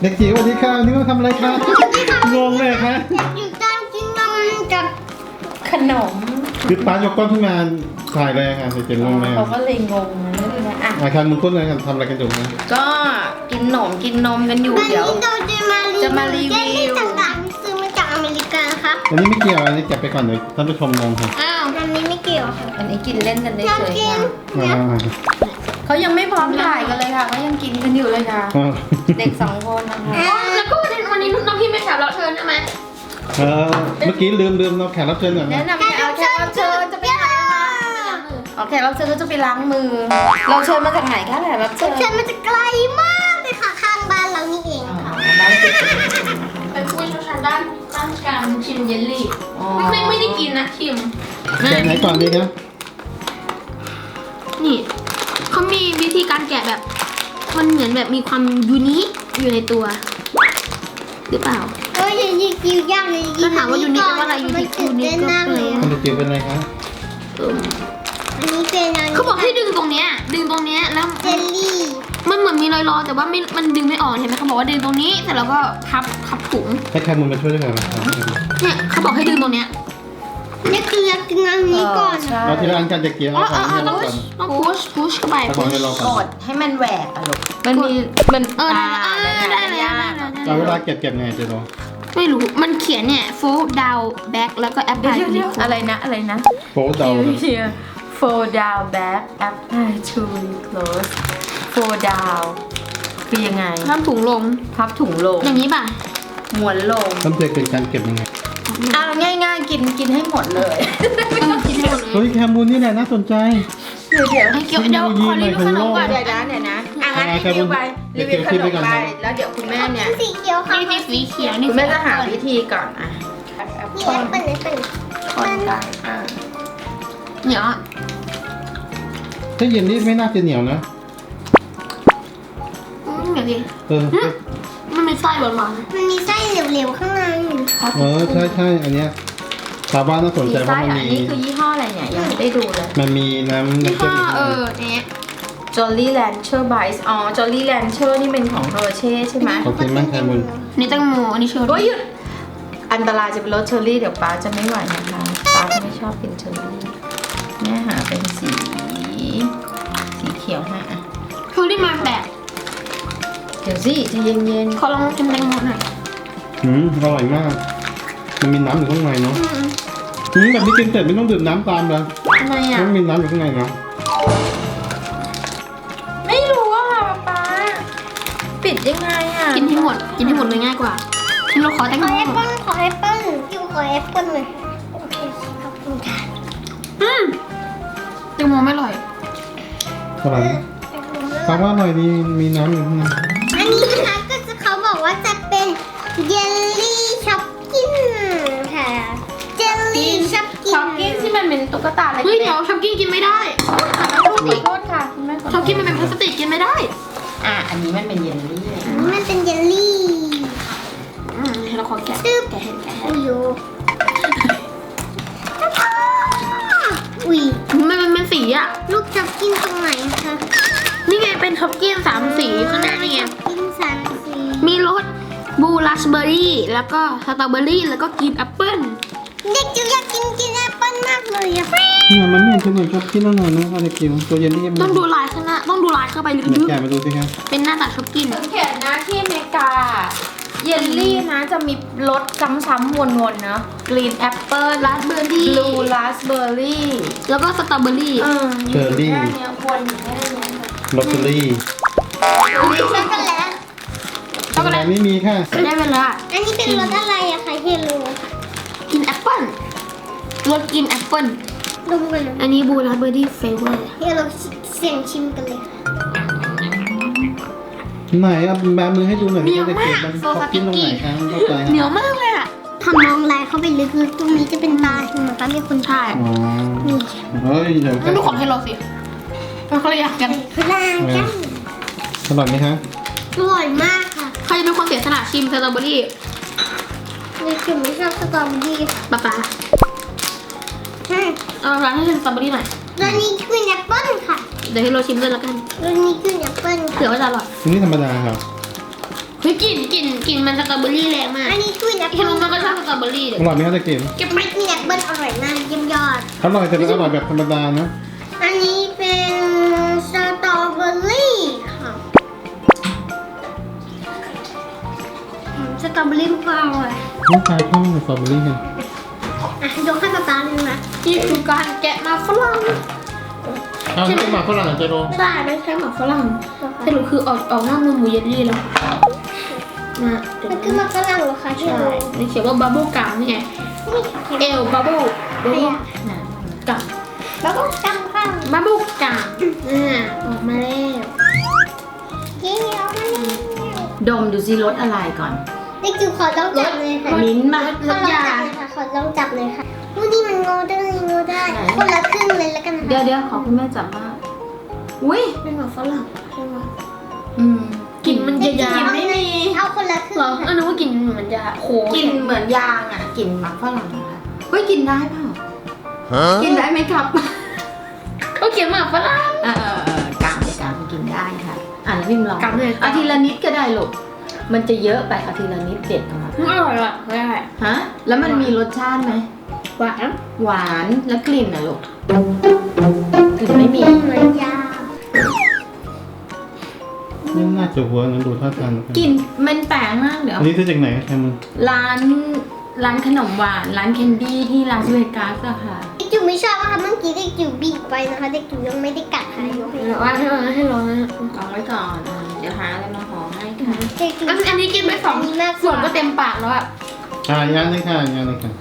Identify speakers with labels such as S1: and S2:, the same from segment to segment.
S1: เด็กจิ๋วสวัสดีค่ะวันนี่มาทำอะไรคะงงเลยคะ
S2: อยู่ตามกินนมกับขนม
S1: คือป้ายกกล้องขึ้นมาถ่ายเลยค่ะเด็กจิ๋วงงเลย
S2: เขาก็เลยงงนะอ่ะ
S1: อาคารมึงพูดอะไรกันทำอะไรกันอยู่นะ
S2: ก็กินขนมกินนมกันอยู่เดี๋ยวจะมารีวิว
S3: ต่างๆซื้อมาจากอเมริกาครับ
S1: อันนี้ไม่เกี่ยวอันนี้เก็บไปก่อนเลยท่านผู้ชมงงค่ะ
S3: อ้าวอันนี้ไม่เกี่ยวค่ะ
S2: อันนี้กินเล่นกันได้
S3: เรา
S2: เฉย
S3: กิน
S2: ค่ะเขายังไม่พร้อมถ่ายกันเลยค่ะเขายังกินกันอยู่เลยค่ะ เด็ก2 คนนะคะ
S3: แล้วก็วันนี้น้องพี่ไม่แขกรับเชิญใช่ไหม
S1: เมื่อกี้ลืมเราแขกรับเชิญก่อน
S2: แนะ
S1: นะ
S2: นำแขกรับเชิญจะไปไหนคะอ๋อแขกรับเชิญก็จะไปล้างมือ เราเชิญมาจากไหนคะแขกรับเชิญ
S3: เชิญมาจากไกลมากเลยค่ะข้างบ้านเรานี่เอง
S2: อ๋อ
S3: ค่ะ
S2: บ้านติดกัน
S3: เป็นผู้เชี่ยวชาญด้านการชิมเยลลี่
S2: อ๋อ
S3: ไม่ได้กินนะชิม
S1: แกะไหนก่อนดีครับ
S3: นี่เขามีวิธีการแกะแบบมันเหมือนแบบมีความยูนิคอยู่ในตัวหรือเปล่า
S4: เอ้ยยิงยิงยากเลย
S3: ถ้าถามว่ายูนิคแปลว่าอะไรยูนิคยูนิคก็แปล
S1: ท่านเด็กจิ๋วเป็นอะไรคะ
S4: อันนี้เป็นอัน
S3: เขาบอกให้ดึงตรงเนี้ยแล้ว
S4: เจลลี่
S3: มันเหมือนมีรอยๆแต่ว่ามันดึงไม่ออกเห็นไหมเขาบอกว่าดึงตรงนี้เสร็จแล้วก็พับถุง
S1: ให้แคมุนมาช่วยด้วยกันนะครับ
S3: เนี่ยเขาบอกให้ดึงตรงเนี้ย
S4: นี่คืออยากกินอันนี้ก่อน
S2: ใช่
S1: เอาทีละอันกันเด็กจิ๋วเอาของให้เราก่อน
S3: ต้องพุชเข้าไป
S1: เอาของให้เรา
S2: ก
S1: ก่อน
S2: ดให้มันแหวกอะลูกมันมีมัน
S3: ได้เลย
S1: เอาเวลาเก็บไงเจ๊โด
S3: ไม่รู้มันเขียนเนี่ย fold down back แล้วก็ apply
S2: เดี๋ยวอะไรนะ
S1: โป๊ะเดาเลย
S2: Here fold down back apply to close fold down คือยังไง
S3: ทำถุงลง
S2: พับถุงลง
S3: อย่างนี้ป่ะ
S2: ม้วนลง
S1: ต้นเจเป็นการเก็บยังไง
S2: ง่ายๆกินให้หมดเลย
S3: คิดให้หมดเล
S1: เฮ้
S3: ย
S1: ยแคมุนนี่แหละน่าสนใจ
S2: เดี๋ยว
S3: ให้เกี่ยวเดี๋ยวขอรีวิวขนมก่อน
S2: เดี๋ยวนะงั้นรีวิวไปรีวิวขนมไปแล้วเดี๋ยวคุณแม่เนี่ย
S4: สีเขียวค่ะ
S3: นี่สีเขียวนี่
S2: คุณแม่จะหาวิธีก่อนอ่ะ
S4: นี่แอปเปิ้ลแอปเปิ้ล
S2: คนกัน
S3: เหนียว
S1: ถ้าเย็นนี่ไม่น่าจะเหนียวนะ
S3: เหนียวดิ
S1: เออ
S3: มันมีไส้หวาน
S4: มันมีไส้เหลวๆข้างใน
S1: ใช่อันเนี้ยชาวบ้านน่าสนใจเพ
S2: ไส้
S1: ราะมัน
S2: อัน
S1: มี
S2: นี้คือยี่ห้ออะไรเนี่ยยังไม่ได้ดูเลย
S1: มันมีน้ำ
S3: ๆนี่
S1: น้ำเชื่
S3: ก็
S1: อม
S3: เนี่ย
S2: Jolly Rancher Bites อ๋อ Jolly Rancher นี่เป็นของเฮอร์เช่ใช่ไหม
S1: ขอบคุณมากแคมุน
S3: นี่แตงโมอันนี้เชอร์
S2: โอ้ย
S3: รี่
S2: หยุดอันตรายจะเป็นรสเชอร์รี่เดี๋ยวป้าจะไม่ไหวนะคะป้าก็ไม่ชอบกินเชอร์รี่แม่หาเป็นสีเขียวให้อ่ะ
S3: เชอร์รี่มาแบบ
S2: เดี๋ยวสิจะเย็น
S3: ขอลองชิมแตงโมหน่อย
S1: อร่อยมาก มันมีน้ำอยู่ข้างในเนาะแบบนี้กินเสร็จไม่ต้องดื่มน้ำตามเลย
S2: ๆทำไมอ่ะ
S1: มันมีน้ำอยู่ข้างในเนาะ
S2: ไม่รู้อ่ะป้าปิดยังไงอ่ะ
S3: กินให้หมดเลยง่ายกว่าที่เราขอแตง
S4: ข
S3: โม
S4: อแอปเปิ้ลขอแอปเปิ้ลอยู่ขอแอปเปิ้ลเลยโอเคขอบคุณค่ะ
S3: แตงโมไม่อร่อย
S1: อร่อยฟังว่าอร่อยดีมีน้ำอยู่ข้างใน
S4: อันนี้นะคะก็จะเขาบอกว่าจะเป็นเยลลี่ช็อกกิ้นค่ะเจลลี่ช็อกกิ้
S2: ช็อกกี้ที่มันเป็นตุ๊กตาอะไร
S3: เฮ้ยเดี๋ยวช็อกกิ้งกินไม่ได้
S2: ขอโทษค่ะคุณแม่ขอโท
S3: ช็อก
S2: ษ
S3: กิ้งมันเป็นพลาสติกกินไม่ได้
S2: อันนี้มันเป็นเยลลี่
S4: อันนี้มันเป็นเยลลี่
S3: ให้เราขอแกะ
S4: ตึ๊บ
S3: แกะให้แกะให้
S4: อุ้ยโยอุ้ย
S3: มันเป็นสีอ่ะ
S4: ลูกช็อกกิ้นตรงไหนคะ
S3: นี่ไงเป็นช็อกกิ้ง3 สีข้างหน้านี่ไง
S4: ช็อกกิ้นสามสี
S3: มีรสบลูราสเบอร์รี่แล้วก็สตรอเบอร์รี่แล้วก็กรีนแอปเปิ้ล
S4: เด็กจิ๋วอยากกินแอปเปิ้ลมากเลยอะ
S1: เนี่ยมันเนี่ยจะเหมือนชอบกินแล้วหน่อยนะอะไรกิวตัวเย็นนี่ยัง
S3: ต้องดูลายข้างหน้าต้องดูลายเข้าไปลึ
S1: เดี๋ยว
S3: ก
S1: แกะมาดูสิครับ
S3: ๆเป็นหน้าตาช็อกกิ้ง
S2: สังเกตนะที่อเมริกา เยลลี่นะจะมีรสซ้ำๆวนๆเนอะกรีนแอปเปิล
S3: ราสเบอร์รี่
S2: บลูราสเบอร์รี่
S3: แล้วก็สตรอเบอร์รี่
S1: เชอร์รี่
S2: แค่เนี้ยวนอยู่แค่เนี้ย
S1: ลอตเตอรี่
S4: มีช็อกโกแลต
S3: ช็อกโกแล
S1: แต่
S3: ต
S1: ไม่มีค่ะ
S3: ได้เวลา
S4: อันนี้เป็นรสอะไรอะคะเฮโล
S3: กินแอปเปิ้ลรสกินแอปเปิ้ล
S4: ดมกันเลย
S3: อันนี้บลูราสเบอร์รี่เฟเวอร์
S4: เฮโลเสียงชิมกันเลย
S1: ไหนเอาแบมือให้ดูหน่อยดิเด็กจิ๋วมันชอบกินตรงไหนคะเข้าใจ
S3: เหนียวมากเลยอ่ะ
S4: ทำมองลายเข้าไปลึกๆตรงนี้จะเป็นตาใช่ไหมคะมีคน
S3: ใช่
S1: อ๋อ
S4: นี่
S1: เฮ้ยเดี๋ยว
S3: งั้นดูของให้เราสิมันคนละอย่างกัน
S4: พลางกัน
S1: อร่อยไหมคะ
S4: อร่อยมากค่ะ
S3: ใครจะเป็นคนเสียสละชิมสตรอเบอร์รี่
S4: เด็กจิ๋วไม่ชอบสตรอเบอรี่
S3: ป๊าป๊า
S4: ใช่
S3: เอาร้านให้ชิมสตรอเบอร์รี่หน่อย
S4: แล้วนี่คือแอปเปิ้ลค่ะ
S3: เดี๋ยวให้เราชิมด้วยแล้วกัน
S4: แล้วนี่คือแอปเปิ้ล
S3: เผื่อว่าจะอร่อย
S1: อันนี้ธรรมดาครับ
S3: เฮ้ยกลิ่นมันสตรอเบอรี่แรงมาก
S4: อันนี้กล้วยแอป
S3: เฮ
S4: เปิ้
S3: โร
S4: ล
S3: มันก็ชอบสตรอเบอรี่เลย
S1: อร่อยไหมคะตะเกียบ
S3: เก็บ
S4: ไม่กล้วยแอปเปิ้ลอร่อยมากเยี่ยมยอด
S1: อร่อยแต่เป็นอร่อยแบบธรรมดานะ
S4: อันนี้เป็นสตรอเบอรี่ค่ะสตรอเบอรี่มันก็อร่อย
S1: น้องชายชอบสตรอเบอรี่กัน
S4: อ่ะยกให้ป๊าป๊าเลยนะ
S3: นี่คือการแกะมาฝรั่ง
S1: อ้าวนี่เป็นหมากฝรั่งเหรอเจโร
S3: ใช่ไม่ใช่หมาฝรั่งสรุปคือออกหน้ามือหมูเยลลี่แล้วมาเดี๋ยว
S4: มันคือมันฝรั่งเหรอคะที่
S3: ใช่
S4: ดู
S3: นี่เขียนว่าบับเบิ้ลกัมนี่ไง
S4: นี่
S3: เอลบับเบิ้ลกัม
S4: แล้วก็จำข้าง
S3: บับเบิ้ลกัมออกมาแล้ว
S4: เยี่ยม
S2: ดมดูซิรสอะไรก่อน
S4: เด็กจิ๋วขอลองจับเลยค่ะ
S2: มิ้นท์มา
S4: ขอลองจับเลยค่ะขอลองจับเลยค่ะนี่มันงอได้คนละครึ่งเลยแล้วกันนะ
S2: เดี๋ยวขอคุณแม่จับบ้างอุ้ย
S3: เป็นหมาฝรั่งใช่ไหม
S2: อืม
S3: กลิ่นมันจะยา
S2: ลิ่นไม่มี
S4: เอาคนละครึ่ง
S3: เหรออันนั้นว่ากลิ่นเหมือนยาโห
S2: กลิ่นเหมือนยางอ่ะกลิ่นหมักฝรั่งอะค่ะเฮ้ยกินได้เปล่ากินได้ไหมครับ
S3: เขาเขียนหมาฝรั่ง
S2: กางกินได้ค่ะแล้วพิมพ์ลอง
S3: กำเลย
S2: เอาทีละนิดก็ได้ลูกมันจะเยอะไปเอาทีละนิดเด็ดออกมา
S3: อร่อยอ่ะไม่ได้
S2: ฮะแล้วมันมีรสชาติไหม
S3: หวาน
S2: หวานแล้วกลิ่นอ่ะลูกกลิ่นไม่มี
S4: เหมือนยา
S1: นี่น่าจะเวิร์กนะดูท่าทาง
S2: กลิ่นมันแปลกมากเดี๋ยว
S1: อันนี้ซื้อจากไหนแคม
S2: ร้านขนมหวานร้านแคนดี้ที่ลาสเวกัสอะค่ะ
S4: เด็กจิ๋วไม่ชอบนะคะเมื่อกี้เด็กจิ๋วบีบไปนะคะเด็กจิ๋วยังไม่ได้กัดค่ะยกให้
S3: หรือว่าให้ร้อนนะ
S2: เอาไว้ก่อนเดี๋ยวหาอะไรมาห่อให้ค่ะ
S4: เด็กจิ๋ว
S3: อันนี้กินไปสองส่วนก็เต็มปากแล้วอ่ะ
S1: งานเลยค่ะงานเลยค่ะ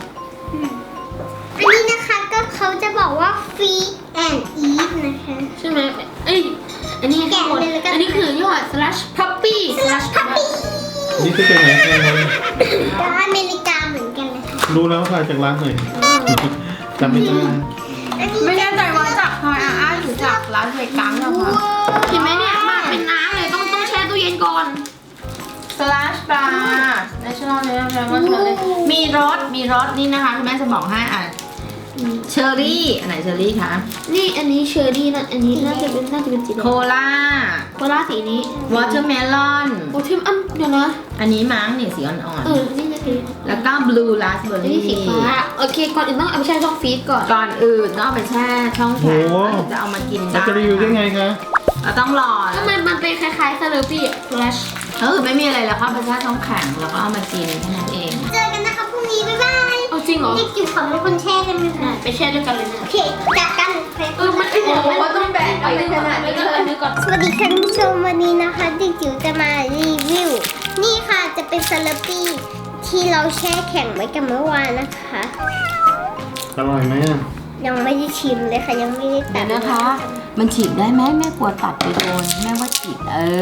S4: อันนี้นะคะก็เขาจะบอกว่า free and eat นะคะ
S3: ใช่ไหมเอ้ยอันนี้ข้างบนอันนี้คือยอด slash puppy slash
S4: พัปปี้
S1: นี่ซื้อจากไหนแคม
S4: ก็อเมริกาเหมือนกันเลยค่ะ
S1: รู้แล้วค่ะจากร้านไหนจำไม่ได้
S4: อันนี้
S2: ไม่แน่ใจว่าจากทอยอาร์หรือจากลาสเวกัสนะคะ
S3: เห็นไหมเนี่ยมากเป็นน้ำเลยต้องแช่ตู้เย็นก่อน
S2: slash bar national level มีรสนี่นะคะคุณแม่จะบอกให้เชอร์รี่อันไหนเชอร์รี่คะ
S3: นี่อันนี้เชอร์รี่นะอันนี้น่าจะเป็นสีแดง
S2: โคลา
S3: โคลาสีนี้
S2: วอเตอร์เมลอน
S3: โอ้ทิมเดี๋ยวนะ
S2: อันนี้มั้งเนี่ยสีอ่อน
S3: นี่นะสี
S2: ๆแล้วก็บลูราสเบอ
S3: อัน
S2: ร์
S3: นี้
S2: รี่
S3: สีฟ้าโอเคก่อนอื่นต้องเอาไปแช่ช่องฟรีซก่อน
S2: ก่อนอื่นต้องเอาไปแช่ช่องแข็งแล้วถึงจะเอามากินได้
S1: แล้วจะรีวิวได้ไงคะ
S2: เราต้องรอ
S3: ทำไมมันเป็นคล้ายๆซาเลอปี้ฟลัช
S2: ไม่มีอะไรแล้วเข้าไปแช่ช่องแข็งแล้วก็เอามากินแค่นั้นเอง
S4: เจอกันนะคะพรุ่งนี้บ๊ายบาย
S3: เอาจริงเหรอ
S4: เด็กจิ๋วขอเป็นคนแช่ได้ไหมคะ
S3: ไปแช่ด้วยกันเลยนะ
S4: โอเคจับกันเฟซ
S3: มันโอ้โหต้องแบ่งไปขนาดนี้ก็อันนี้ก่อน
S4: สวัสดีค่ะท่านผู้ชมวันนี้นะคะเด็กจิ๋วจะมารีวิว นี่ค่ะจะเป็นซาลาปี้ที่เราแช่แข็งไว้กันเมื่อวานนะคะ
S1: อร่อยไหมอ่ะ
S4: ยังไม่ได้ชิมเลยค่ะยังไม่ได้ตั
S2: เดี๋ย
S4: ด
S2: วนะคะ มันฉีกได้ไหมแม่กลัวตัดไปโดนแม่ว่าฉีก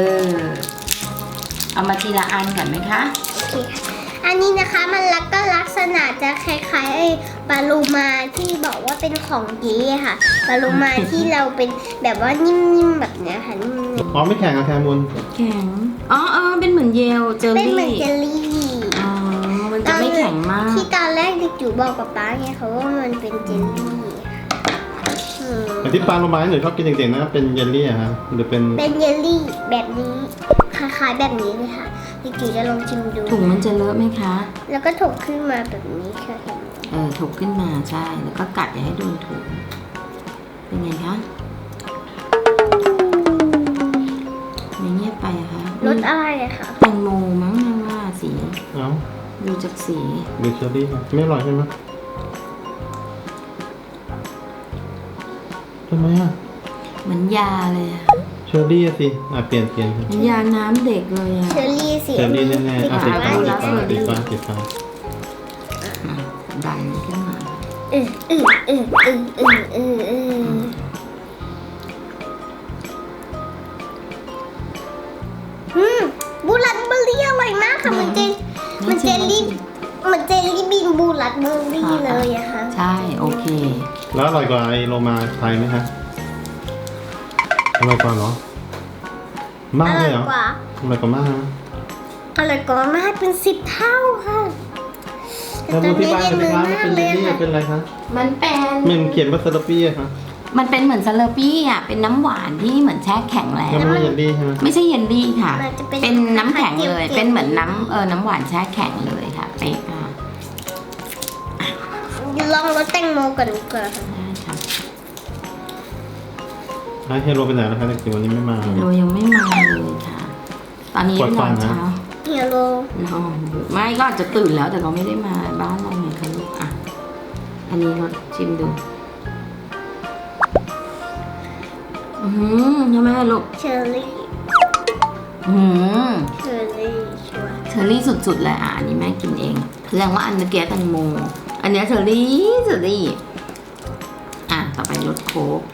S2: เอามาทีละอันก่อนไหมคะ
S4: โอเคค่ะอันนี้นะคะมันก็ลักษณะจะคล้ายๆไอ้ปลาโลมาที่บอกว่าเป็นของเก๋ค่ะปลาโลมาที่เราเป็นแบบว่านิ่มๆแบบเนี้ยค่ะนิ่ม
S1: อ๋อไม่แข็งอะแคมุน
S2: แข็งเป็นเหมือนเยลเจอ
S4: ๆเป็น
S2: รี่
S4: เหมือนเจลลี่
S2: มันจะไม่แข็งมาก
S4: ที่ตอนแรกเด็กจิ๋วบอกกับป๊าไงเขาว่ามันเป็นเจลลี่อืม
S1: แต่ที่ปลาโลมาหนูชอบกินเด็กๆนะเป็นเยลลี่อะฮะหรือเป็น
S4: เป็นเยลลี่แบบนี้คล้ายๆแบบนี้เลยค่ะเด็กจิ๋วจะลองชิมดู
S2: ถุงมันจะเลอะไหมคะ
S4: แล้วก็ถกขึ้นมาแบบนี้ค่ะเห็นไหม
S2: ถกขึ้นมาใช่แล้วก็กัดอย่าให้โดนถุงเป็นไงคะไม่เงียบไปอะคะ
S4: รสอะไรอะคะ
S2: แตงโมมั้งแม่ว่าสี
S1: เอ้า
S2: ดูจากสี
S1: หรือเชอร์รี่ค่ะไม่อร่อยใช่ไหมทำไมอ่ะ
S2: เหมือนยาเลยอะ
S1: เชอร์รี่อะสิเปลี่ยนค่ะ
S2: เหมือนยาน้ำเด็กเลยอะ
S4: เชอร์รี่สี
S1: เชอร์รี่แน่ๆสีฟ้า
S2: อ่ะ
S1: สีฟ้าสีฟ้า
S2: ดันขึ้นมา
S4: บูรัดเบอร์รี่อร่อยมากค่ะเหมือนเจลลี่บินบูรัดเบอร์รี่เลยอะค่ะ
S2: ใช่โอเค
S1: แล้วอร่อยกว่าไอโลมาไทยไหมคะอร่อยกว่าเหรอ มากเลยเหรออร่อยกว่ามากนะ
S4: อร่อยกว่ามากเป็น10 เท่าค่ะ
S1: แล้วที่บ้านเป็นร้านเป็นเยลลี่เป็นอะไรคะ
S2: มันเป็น
S1: มันเขียนว่าซาลาปี้อะคะ
S2: มันเป็นเหมือนซาลาปี้อ่ะเป็นน้ำหวานที่เหมือนแช่แข็งแล้ว
S1: แล้วมันเยลลี่ใช่ไหม
S2: ไม่ใช่เยลลี่ค่ะ
S4: มันจะ
S2: เป็นน้ำแข็งเลย
S4: จี๊ๆ
S2: เป็นเหมือนน้ำหวานแช่แข็งเลยค่ะเป๊กค่ะ
S4: ลองรสแตงโมก่อนดีกว่าค่ะ
S2: ได้ค่ะ
S1: เฮโรไปไหนแล้วคะเด็กจิ๋ววันนี้ไม่มา
S2: โรยังไม่มาเลยค่ะ ตอนนี้
S1: ปวด
S2: น
S1: ฟั
S2: อน น
S1: นะ
S2: เช้า
S4: เฮียโร
S2: นอนอยู่ไม่ก็อาจจะตื่นแล้วแต่เราไม่ได้มาบ้านเราไงคะลูกอ่ะอันนี้รสชิมดูใช่ไหมลูก
S4: เชอร์รี่
S2: อืม
S4: เชอร์รี่ชัวร์
S2: เชอร์รี่สุดๆเลยอ่ะอันนี้แม่กินเองแสดงว่าอันเมื่อกี้แตงโมอันเนี้ยเชอร์รี่อ่ะต่อไปรสโค้ก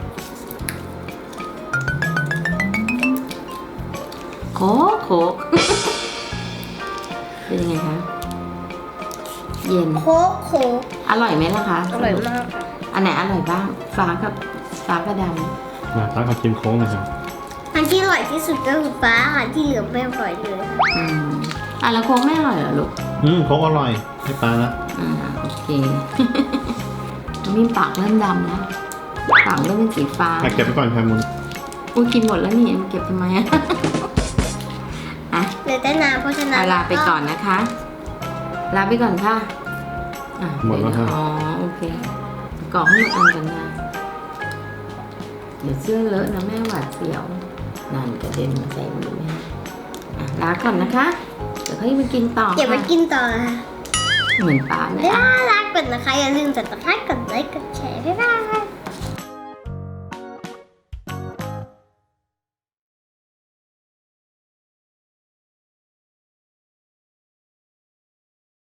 S2: โค้ก เป็นยังไงคะเย็น
S4: โค้กโค้ก
S2: อร่อยไหมล่ะคะ
S4: อร่อยมากค่ะ
S2: อันไหนอร่อยบ้างฟ้ากับด
S1: มาป้าขอชิมโค้งหน่อยครับ
S4: อันที่อร่อยที่สุดก็คือฟ้าค่ะที่เหลือไม่อร่อยเลยค่ะ
S2: ำแล้วโค้กไม่อร่อยเหรอลูก
S1: โค้งอร่อยให้ป้านะ
S2: โอเค มีปากเริ่มดำแล้วปากเริ่มเป็นสีฟ้า
S1: เก็บไปก่อนค่ะมุน
S2: อุ้ยกินหมดแล้วนี่เก็บทำไมอะอ่ะ
S4: เหลือแต่น้ำเพราะฉะนั้น
S2: ลาไปก่อนนะคะ ลาไปก่อนค่ะอ่ะ
S1: หมดแล้วค่ะ
S2: อ๋อโอเคกรอกให้หมดอันกันนะเดี๋ยวเสื้อเลอะนะแม่หวาดเสียวนั่นกระเด็นมาใส่มือแม่อ่ะลาก่อนนะคะ เดี๋ยวเขาจะไปกินต่อ
S4: เก็บไป
S2: ค่ะ
S4: กินต่อค่ะ
S2: เหมือนป้าเลย
S4: น่า
S2: อ่ะ
S4: รักกดนะคะ อย่าลืมกดติดตามกดไลค์กดแชร์บ๊ายบาย